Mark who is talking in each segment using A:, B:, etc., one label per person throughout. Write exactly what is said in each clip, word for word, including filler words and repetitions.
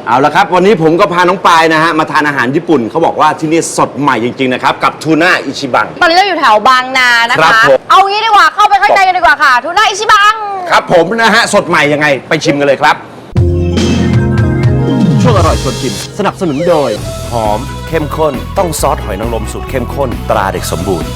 A: เอาละครับวันนี้ผมก็พาน้องปายนะฮะมาทานอาหารญี่ปุ่นเขาบอกว่าที่นี่สดใหม่จริงๆนะครับกับทูน่าอิชิบัง
B: ตอนนี้เราอยู่แถวบางนานะ
A: ครั
B: คะ
A: บผม
B: เอางี้ดีกว่าเข้าไปข้างในกันดีกว่าค่ะทูน่าอิชิบัง
A: ครับผมนะฮะสดใหม่ยังไงไปชิมกันเลยครับช่วงอร่อยชวนชิมสนับสนุนโดยหอมเข้มข้นต้องซอสหอยนางรมสูตรเข้มข้นตราเด็กสมบูรณ์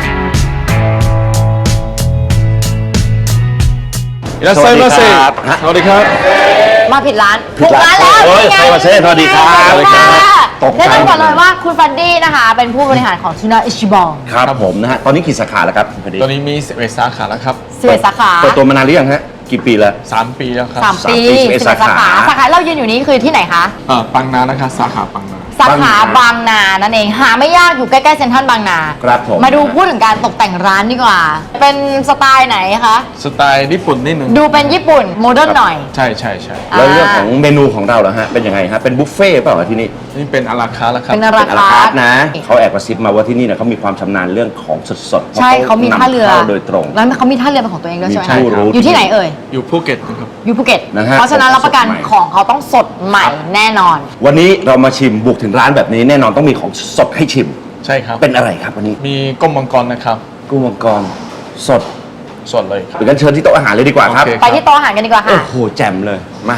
C: いらっしゃいませ。สวัสดีครับ
B: มาผิดร้าน
A: ผิดร้าน
B: ถูกร้านแล้ว
A: โอ้ย
B: นี่ไง
A: ไซมาเซ่สวัสดีครับ
B: สวัสดีค่ะ
A: ตกใจ
B: แนะนำก่อนเลยว่าคุณฟันดี้นะคะ เป็นผู้บริหารของทูน่าอิชิบัง
A: ครับผมนะฮะตอนนี้กี่สาขาแล้วครับคุณพอดี
C: ตอนนี้มีสิบเอ็ดสาขาแล้วครับ
B: สิบเอ็ดสาขา
A: เปิดตัวมานานหรือยังฮะกี่ปีแล้ว
C: สามปีแล้วครับ
B: สามปี
A: สามปี
B: สิบเอ็ด
A: สา
B: สา
A: ขา
B: ขาสาขาเรายืนอยู่นี้คือที่ไหนคะ
C: เอ่อปังนานะคะสาขาปังนา
B: สาขาบางนานั่นเองหาไม่ยากอยู่ใกล้ๆเซ็นทรัลบางนา
A: ครับผม
B: มาดูพูดถึงการตกแต่งร้านดีกว่า เป็นสไตล์ไหนคะ
C: สไตล์ญี่ปุ่นนิดหนึ่ง
B: ดูเป็นญี่ปุ่นโมเดิร์นหน่อย
C: ใช่ใช่ใช่
A: แล้วเรื่องของเมนูของเราเหรอฮะเป็นยังไงฮะเป็นบุฟเฟ่ต์เปล่าที่นี่
C: นี่เป็นอาราคาร์ทแล้วครับ
B: เป็นอารา
A: เป็นอาราคาร์ทนะเขาแอบกระซิบมาว่าที่นี่เนี่ยเขามีความชำนาญเรื่องของสดๆ
B: ใช่เขามีท่าเรือ
A: พะขนำข้โดยตรง
B: แล้วเขามีท่าเรือเป็นของตัวเองด้วยใช่ไหม
A: มีผู้รู้
B: อยู่ที่ไหนเอ่ย
C: อยู่ภูเก็ตนะครับ
B: อยู่ภูเก็ต
A: นะฮะ
B: เพราะฉะนั้นรับประกัน
A: สดใหม่
B: ของเขาต้องสดใหม่แน่นอน
A: วันนี้เรามาชิมบุกถึงร้านแบบนี้แน่นอนต้องมีของสดให้ชิม
C: ใช่ครับ
A: เป็นอะไรครับวันนี้
C: มีก้มมังกรนะครับ
A: กุ้งมังกรสด
C: สดเลยครับ
A: เดี๋ยวกันเชิญที่โต๊ะอาหารเลยดีกว่าครับ
C: โอเค
B: ไปที่โต๊ะอาหารกันดีกว่า
A: โอ้
B: ค่ะ
A: โหแจ่มเลยมา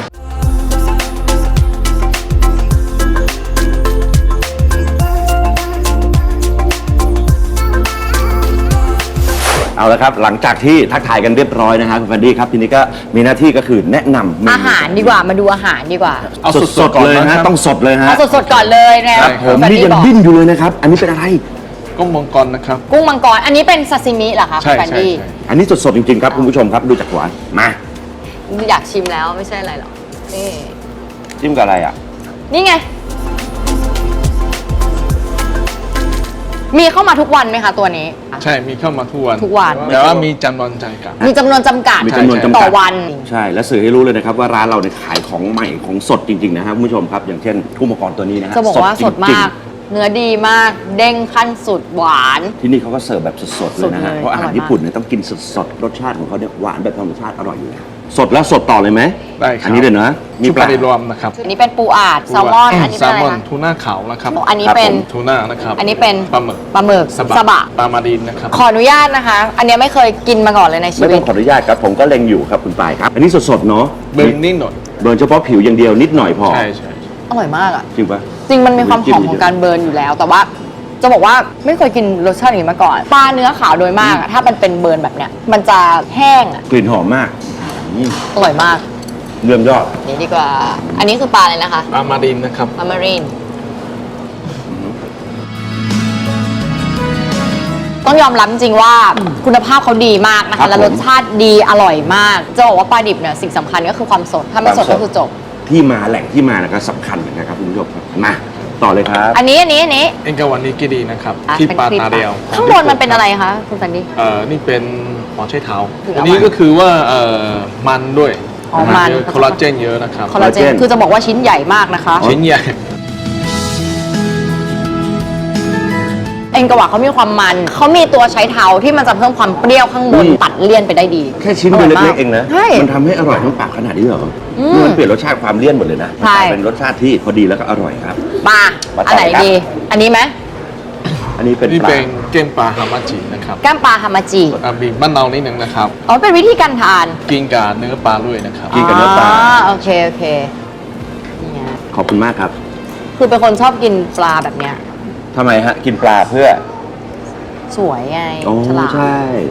A: เอาละครับหลังจากที่ทักทายกันเรียบร้อยนะฮะคุณฟันดี้ครับทีนี้ก็มีหน้าที่ก็คือแนะนำเมนู
B: อาหารดีกว่ามาดูอาหารดีกว่า
C: เอา
A: ส
C: ส
A: ด
C: ดๆก่อน
A: ๆเลย
C: นะค
A: ฮะ
C: รับ
A: ต้องสดเลยฮะ
B: เอาสดๆก่อนเลยนะครับ
A: ผม
B: คุณ
A: นี่
B: ดี้
A: ยัง
B: บอก
A: ดิ้นอยู่เลยนะครับ อันนี้เป็นอะไร
C: ก้มมังกรนะครับ
B: กุ้งมังกร อันนี้เป็นซาซิมิเหรอคะ
C: ใช่
B: คุณแฟน
C: ใช่
B: ดี้
C: ใช่
A: อันนี้สดๆจริงๆครับคุณผู้ชมครับดูจากหวานมา
B: อยากชิมแล้วไม่ใช่อะไรหรอกนี่
A: จิ้มกับอะไรอ่ะ
B: นี่ไง มีเข้ามาทุกวันไหมคะตัวนี้
C: ใช่มีเข้ามาทุกวัน
B: ทุกวัน
C: แต่ว่ามีจำนวนจำกัด
B: มีจำนวนจำกัด
A: มีจำนวนจำกัด
B: ต่อวัน
A: ใช่และสื่อให้รู้เลยนะครับว่าร้านเราเนี่ยขายของใหม่ของสดจริงๆนะครับคุณผู้ชมครับอย่างเช่นกุ้งมังกรตัวนี้นะฮะ
B: จะบอกว่าสด
A: จริ
B: มาง ก เนื้อดีมาก เด้งขั้นสุดหวาน
A: ๆที่นี่เขาก็เสิร์ฟแบบสดๆเลยนะฮะ
B: สดเลย
A: เพราะอาหาร
B: อร่อยมาก
A: ญี่ปุ่นเนี่ยต้องกินสดๆรสชาติของเขาเนี่ยหวานแบบธรรมชาติอร่อยอยู่แล้วสดแล้วสดต่อเลยไหม
C: ได้ครับ
A: อันนี้เลยนะมี
C: ชุบ
A: ปลา
C: ปลารวมนะครับ
B: อันนี้เป็นปูอาดแซลมอน อันนี้
C: แซ
B: เป็น
C: ล
B: อะไร
C: มอน
B: คะ
C: ทูน่าขาวนะครับ
B: อันนี้
A: ครับ
B: เป็น
A: ผม
C: ทูน่านะครับ
B: อันนี้เป็น
C: ปลาหมึก
B: ปลาหมึก
C: สบะ
B: สบะ
C: ปลามาดินนะครับ
B: ขออนุญาตนะคะ อันนี้ไม่เคยกินมาก่อนเลยในชี
A: ไม่
B: วิ
A: ต้อ
B: ต
A: งขออนุญาตครับผมก็เล็งอยู่ครับคุณปายครับ อันนี้สดๆเนาะ
C: เบิร์นนิดหน่อย
A: เบิร์นเฉพาะผิวอย่างเดียวนิดหน่อยพอ
C: ใช่ใช่
B: อร่อยมากอ่ะ
A: จริงปะ
B: จริงมันมีความหอมของการเบิร์นอยู่แล้ว แต่ว่าจะบอกว่าไม่เคยกินรสชาติอย่างนี้มาก่อน ปลาเนื้อขาวโดยมากอะถ้ามันเป็นเบิร์นแบบเนี้ย มันจะแห้งอะ
A: กลิ่นหอมมากอืม
B: อร่อยมาก
A: เยี่ยมยอด
B: นี่ดีกว่า อันนี้คือปลาเลยนะคะ
C: ปลามาดินนะครับ
B: ปลามารีนต้องยอมรับจริงๆว่าคุณภาพเขาดีมากนะ
A: ครั
B: คะ
A: บ
B: และ
A: ผม
B: รสชาติดีอร่อยมาก จะบอกว่าปลาดิบเนี่ยสิ่งสำคัญก็คือความสด ถ้าไม่สดก็คือจบ
A: ที่มาแหล่งที่มานะครับสำคัญเหมือนกันครับคุณผู้ชมครับมาต่อเลยครับ
B: อันนี้อันนี้อันนี้
C: เอ็นกาวันนี้กีดีนะครับ
B: อ่ะ
C: ที่
B: เป็น
C: ปลา
B: คลิป
C: ตาเดียว
B: ข้างบนมันเป็นอะไรคะคุณแฟนดี้
C: เอ่อนี่เป็นหัวไชเท้า
B: คือ
C: อั
B: เอา
C: นนี้
B: มา
C: ก็คือว่าเอ่อมันด้วย
B: อ๋อมัน
C: เยอะคอลลาเจนเยอะนะครับ
B: คอลลาเจน
A: คอลลาเจน
B: คือจะบอกว่าชิ้นใหญ่มากนะคะ
C: ชิ้นใหญ่
B: เอ็นกวาเขามีความมัน เขามีตัวใช้เท้าที่มันจะเพิ่มความเปรี้ยวข้างบน
A: อืม
B: ตัดเลี่ยนไปได้ดี
A: แค่ชิ้นเดียวเล็กๆเองนะ
B: ใช่
A: มันทำให้อร่อยทั้งปากขนาดนี้เหรอ
B: อืม
A: นี่มันเปลี่ยนรสชาติความเลี่ยนหมดเลยนะมัน
B: ใช่
A: กลายเป็นรสชาติที่พอดีแล้วก็อร่อยครับ
B: มา
A: มาต่อ
B: อันไหน
A: ครับ
B: ดี อันนี้ไหม
A: อันนี้เป็น
C: นี่
A: ปลา
C: เป็นเก้งปลาฮามาจินะครับ
B: แก้มปลาฮามาจิ
C: อ่ะบีบมะนาวนิดนึงนะครับ
B: อ๋อเป็นวิธีการทาน
C: กินกับเนื้อปลาด้วยนะครับ
A: กินกับเนื้อปลา
B: โอเคโอเคนี่ไง
A: ขอบคุณมากครับ
B: คือเป็นคนชอบกินปลาแบบเนี้ย
A: ทำไมฮะกินปลาเพื่อ
B: สวยไง
A: โอ้
B: ฉลาด
A: ใช่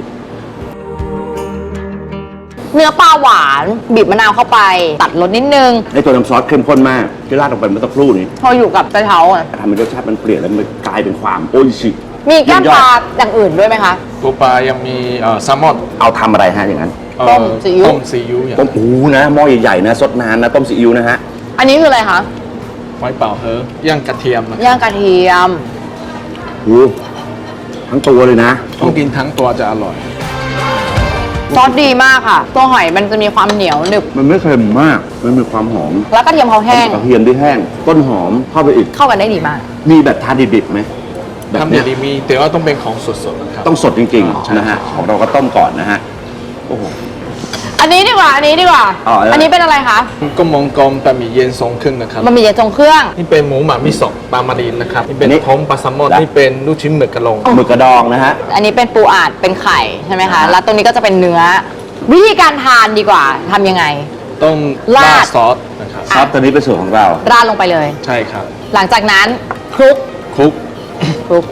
B: เนื้อปลาหวานบีบมะนาวเข้าไป ตัดรสนิดนึง
A: ไอตัวน้ำซอสเข้มข้นมากที่ราดลงไปเมื่อสักครู่นี้
B: พออยู่กับกระเท้าอะ
A: ทำให้รสชาติมันเปลี่ยนแล้วมันกลายเป็นความโอ้ยชิ
B: มีแก้ม
A: เยี่ยยอด
B: ปลาอย่างอื่นด้วยไหมคะ
C: ตัวปลายังมีเอ่อแซลมอน
A: เอาทำอะไรฮะอย่างนั้น
C: เอ่อ
B: ต้มซีอิ๊ว
C: ต้มซีอิ๊วอย่าง
A: ต้มอูนะหม้อใหญ่ๆนะซดนานนะต้มซีอิ๊วนะฮะ
B: อันนี้คืออะไรคะ
C: ไว้เปล่าเฮอย่างกระเทียมนะ
B: ย่างกระเทียม
A: หูทั้งตัวเลยนะ
C: ต้องกินทั้งตัวจะอร่อย
B: ซอสดีมากค่ะ ตัวหอยมันจะมีความเหนียวหนึบ
A: มันไม่เค็มมากมันมีความหอม
B: แล้วกระเทียมเขาแห้ง
A: กระเทียมที่แห้งต้นหอมเข้าไปอีก
B: เข้ากันได้ดีมาก
A: มีแบบทานดิบๆไหมแบบ
C: ทำอ
A: เนี้
C: ย่าย งดีมีแต่ว่าต้องเป็นของสดๆนะครับ
A: ต้องสดจริง
C: ใช่
A: ๆนะฮะของเราก็ต้มก่อนนะฮะโอ้โห
B: อันนี้ดีกว่า อันนี้ดีกว่า
A: อ๋ออั
B: อันนี้เป็นอะไรคะ
C: ก็มองกลมแต่มีเย็นทรงขึ้นนะครับ
B: มันมีเย็นทรงเครื่อง
C: นี่เป็นหมูหม่ามิโซะปลามารีนนะครับนี่เป็น
A: อันนี้
C: ท้องปลาแซลมอน
A: และ
C: นี่เป็นลูกชิ้นหมึกกระลง
A: หมึกกระดองนะฮะ
B: อันนี้เป็นปูอัดเป็นไข่ใช่ไหมคะ
A: อ่า
B: แล้วตรงนี้ก็จะเป็นเนื้อ วิธีการทานดีกว่าทำยังไง
C: ต้อง
B: ราด
C: ราดซอสนะครับ
A: ซอสตัวนี้เป็นสูตรของเรา
B: ราดลงไปเลย
C: ใช่ครับ
B: หลังจากนั้นคลุก
C: คลุก
B: คลุก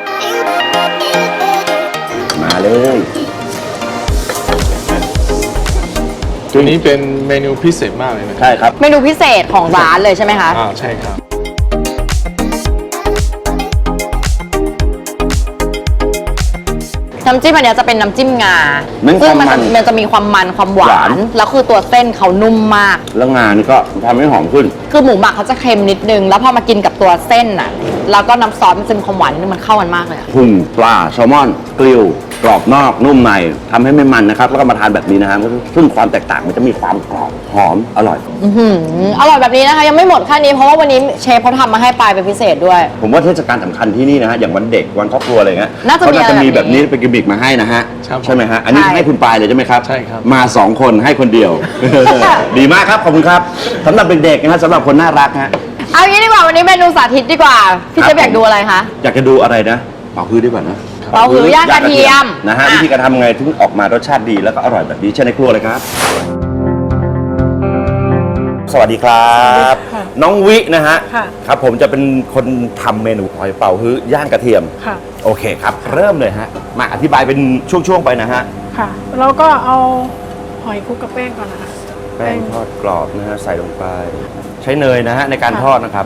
A: มาเลย
C: ตัวนี้เป็นเมนูพิเศษมากเลยนะครั
A: ใช่ครับ
B: เมนูพิเศษของร้านเลยใช่ไหมคะ
C: อ่าใช่ครับ
B: น้ำจิ้มอันเนี้ยจะเป็นน้ำจิ้มงา
A: มัน
B: ซึ่งมัน
A: ความมัน
B: มันจะมีความมันความหวา
A: หวาน
B: น แล้วคือตัวเส้นเขานุ่มมาก
A: แล้วงานนี่ก็ทำให้หอมขึ้น
B: คือหมูหมักเขาจะเค็มนิดนึง แล้วพอมากินกับตัวเส้นน่ะ แล้วก็น้ำซอสมันจะมีความหวานนิดนึงมันเข้ากันมากเลยอะ
A: พุงปลาแซลมอนกริลกรอบนอกนุ่มในทำให้ไม่มันนะครับ แล้วก็มาทานแบบนี้นะฮะซึ่งความแตกต่างมันจะมีความกรอบหอมอร่อย
B: อื้อหืออร่อยแบบนี้นะคะ ยังไม่หมดแค่นี้เพราะว่าวันนี้เชฟเขาทำมาให้ปลายเป็นพิเศษด้วย
A: ผมว่าเทศกาลสำคัญที่นี่นะฮะอย่างวันเด็กวันครอบครัวอะไรเงี้ย
B: น่าจะมี
A: เขาน่าจะมี
B: อะไร
A: แบ
B: แบบ บนี้
A: นี้เป็นกิมมิกมาให้นะฮะ
C: ครับ
A: ใช่ไหมฮะอันนี้
B: ใช่
A: ให้คุณปายเลยใช่ไหมครับ
C: ใช่ครับ
A: มาสองคนให้คนเดียว ดีมากครับขอบคุณครับสำหรับเด็กๆนะฮะสำหรับคนน่ารักฮะ
B: เอางี้ดีกว่าวันนี้เมนูสาธิตดีกว่า พี่
A: ครับ
B: เชฟอยากดูอะไรคะ
A: อยากจะดูอะไรนะเป่าฮื้อดีกว่านะ
B: เป่าฮื้อย่างกระเทียม
A: นะฮะ
B: อ่ะ
A: วิธีการทำไงถึงออกมารสชาติดีแล้วก็อร่อยแบบนี้เช่นในครัวเลยครับ สวัสดีครับ
D: ค่ะ
A: น้องวินะฮะ
D: ค่ะ
A: ครับผมจะเป็นคนทำเมนูหอยเป่าฮื้อย่างกระเทียม
D: ค่ะ
A: โอเคครับ เริ่มเลยฮะมาอธิบายเป็นช่วงๆไปนะฮะ
D: ค่ะ เราก็เอาหอยคลุกกับแป้งก่อนนะคะ
A: แป้งทอดกรอบนะฮะใส่ลงไป ใช้เนยนะฮะในการทอดนะครับ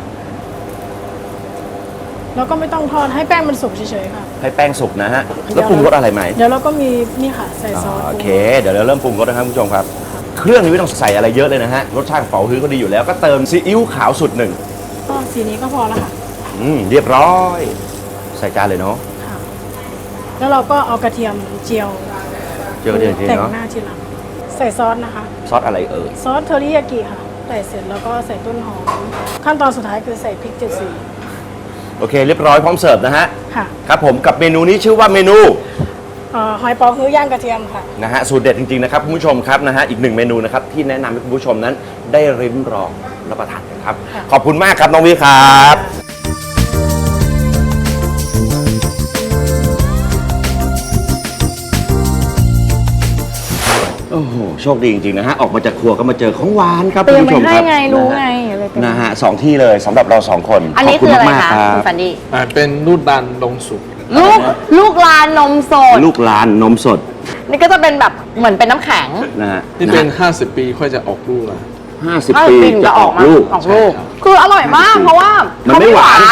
D: แล้วก็ไม่ต้องทอดให้แป้งมันสุกเฉยๆค่ะ
A: ให้แป้งสุกนะฮะแล้วปรุงรสอะไรไหม
D: เดี๋ยวเราก็มีนี่ค่ะใส่ซอส
A: โอเค เดี๋ยวเราเริ่มปรุงรสนะครับคุณผู้ชมครับ เครื่องนี้ไม่ต้องใส่อะไรเยอะเลยนะฮะ รสชาติของเป๋าฮื้อก็ดีอยู่แล้ว ก็เติมซีอิ๊วขาวสุดหนึ่ง
D: ก็สีนี้ก็พอแล้วค่ะ
A: อืม เรียบร้อย ใส่จานเลยเนาะ
D: ค่ะ แล้วเราก็เอากระเทียมเจียว
A: เจอเดี๋ยวที
D: แต่ง
A: เนาะ
D: หน้าทีหลังใส่ซอสนะคะ
A: ซอสอะไรเอ่ย
D: ซอสเทอริยากิค่ะ ใส่เสร็จแล้วก็ใส่ต้นหอม ขั้นตอนสุดท้ายคือใส่พริกเจ็ดสี
A: โอเค เรียบร้อยพร้อมเสิร์ฟนะฮะ
D: ค่ะ
A: ครับผมกับเมนูนี้ชื่อว่าเมนู
D: เอ่อหอยเปอฮื้อย่างกระเทียมค่ะ
A: นะฮะสูตรเด็ดจริงๆนะครับคุณผู้ชมครับนะฮะอีกหนึ่งเมนูนะครับที่แนะนำให้คุณผู้ชมนั้นได้ริมรองรับประทานกันครับ
D: ค่ะ
A: ขอบคุณมากครับน้องวิครับ โอ้โหโชคดีจริงๆนะฮะออกมาจากครัวก็มาเจอของหวานครับ
B: เตรี
A: คุ
B: ย
A: ณ
B: ม
A: ผู้ชม
B: ไว้
A: ค
B: ให้
A: รับ
B: ไงรู้ไง
A: นะฮะ
B: อะไรเป็น
A: นะฮะสองที่เลยสำหรับเราสองคน
B: อันนี้
A: ขบ
B: คืออะไร
A: มาก
B: คะ
A: ๆ
B: คุณฟันดี้
C: อ่าเป็นลูกดันลงสุก
B: ลูกลูกลานนมสด
A: ลูกลานนมสด
B: นี่ก็จะเป็นแบบเหมือนเป็นน้ำแข็ง
A: นะฮะ
C: นี่เป็น ห้าสิบ ปีค่อยจะออกลูกละ
A: ห้าสิบ
B: ถ้า
A: ปี
B: จริง
A: จะออก
B: มา
A: ลูก
B: ออกลูก
C: ใช่ครับ
B: คืออร่อยมาก เพราะว่า
A: มั
B: มัน
A: ไม่หวาน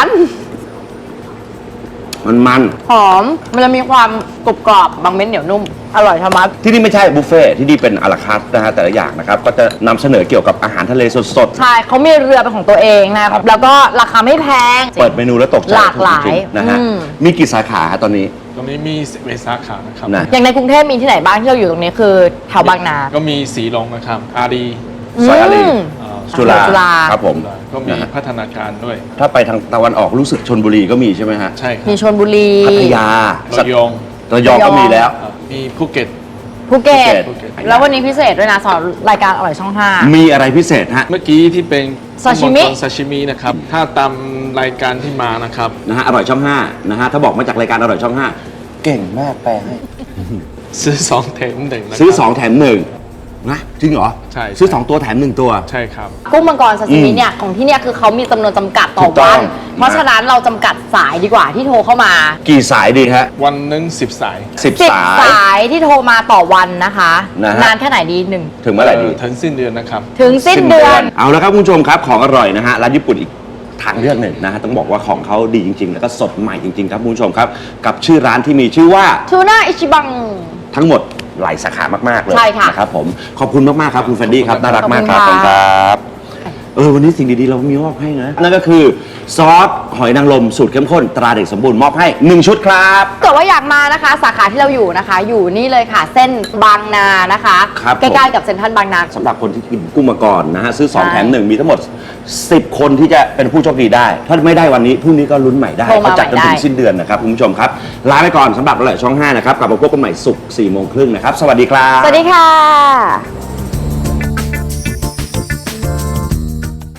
A: มันมัน
B: หอม มันจะมีความกรุบกรอบบางเม็ดเหนียวนุ่ม อร่อยธรรมะ
A: ที่นี่ไม่ใช่บุฟเฟ่ต์ที่นี่เป็นอาราคาร์ทนะฮะแต่ละอย่างนะครับ ก็จะนำเสนอเกี่ยวกับอาหารทะเลสด
B: ใช่เขามีเรือเป็นของตัวเองนะครับ แล้วก็ราคาไม่แพง
A: ๆ เปิดเมนูแล้วตกใจ
B: หลากหลาย
A: จริงๆนะฮะ
B: อืม
A: มีกี่สาขาฮะตอนนี้
C: ตรงนี้มีเวสาขานะครับ
A: นะ
B: อย่างในกรุงเทพมีที่ไหนบ้างที่เราอยู่ตรงนี้คือแถวบางนา
C: ก็มีสีลงนะครับ อารี
A: ซอยอารี
B: ม
C: อ่า
A: จุฬา
B: จุฬา
A: ครับผม
C: ก็มี
A: นะฮะ
C: พัฒนาการด้วย
A: ถ้าไปทางตะวันออกรู้สึกชนบุรีก็มีใช่ไหมฮะ
C: ใช่ครับ
B: มีชลบุรี
A: พัทยา
C: ระยอง
A: ระยองก็มีแล้ว
C: อ่ามีภูเก็ต
B: ภูเก็ต
A: ภูเก็ต
B: แล้ววันนี้พิเศษด้วยนะสอนรายการอร่อยช่องห้า
A: มีอะไรพิเศษฮะ
C: เมื่อกี้ที่เป็น
B: ซาชิมิ
C: ซาชิมินะครับ ถ้าตามรายการที่มานะครับ
A: นะฮะอร่อยช่องห้านะฮะถ้าบอกมาจากรายการอร่อยช่องห้าเก่งมากแปลให้
C: ซื้อสองแถมหนึ่งนะครับ
A: ซื้อสองแถมหนึ่งนะจริงเหรอ
C: ใช่
A: ซื้อสองตัวแถมหนึ่งตัว
C: ใช่ครับ
B: กุ้งมังกรซาซิมิ
A: อืม
B: เนี่ยของที่เนี่ยคือเขามีจำนวนจำกัดต่อ
A: ถูกต้
B: วั
A: อง
B: น เพราะฉะนั้นเราจำกัดสายดีกว่าที่โทรเข้ามา
A: กี่สายดีฮะ
C: วันหนึ่งสิบสาย
A: สิบ
B: สิบ
A: สาย
B: สายที่โทรมาต่อวันนะคะ
A: นะฮะ
B: นานแค่ไหนดีหนึ่ง
A: ถึงเมื่อไหร่ดี
C: ถึงสิ้นเดือนนะครับ
B: ถึงสิ้นเดือน
A: เอาละครับคุณผู้ชมครับของอร่อยนะฮะร้านญี่ปุ่นอีกทางเลือกหนึ่งนะฮะต้องบอกว่าของเขาดีจริง ๆ แล้วก็สดใหม่จริง ๆ ครับคุณผู้ชมครับ กับชื่อร้านที่มีชื่อว่า
B: ทูน่าอิชิบัง
A: ทั้งหมดหลายสาขามากๆเลย
B: ใช่ค่ะ
A: นะครับผมขอบคุณมากๆครับคุณแฟนดี้ครับ
C: ขอบคุณ
A: น่ารักมากครับ
B: ข
A: ข
B: อ
A: อ
B: บบ คุ
A: คุณ ณ
B: ค่ะ
A: ครับเออวันนี้สิ่งดีๆเรามีมอบให้นะนั่นก็คือซอสหอยนางรมสูตรเข้มข้นตราเด็กสมบูรณ์มอบให้หนึ่งชุดครับ
B: เกิดว่าอยากมานะคะ สาขาที่เราอยู่นะคะ อยู่นี่เลยค่ะ เส้นบางนานะคะ
A: ครับ
B: ใกล้ๆกับเซ็นทรัลบางนา
A: สำหรับคนที่กินกุ้งมาก่อนนะฮะซื้อสอง
B: ใช่
A: แถมหนึ่งมีทั้งหมดสิบคนที่จะเป็นผู้โชคดีได้ ถ้าไม่ได้วันนี้พรุ่งนี้ก็ลุ้นใหม่ได้
B: โทรมา
A: เขาจัดจนถึ
B: ใหม่
A: ง
B: ได้
A: สิ้นเดือนนะครับคุณผู้ชมครับลาไปก่อนสำหรับอร่อยช่องห้านะครับกลับมาพบกันใหม่ศุกร์สี่โมงครึ่งนะครับสวัสดีครับ
B: สวัสดีค่ะ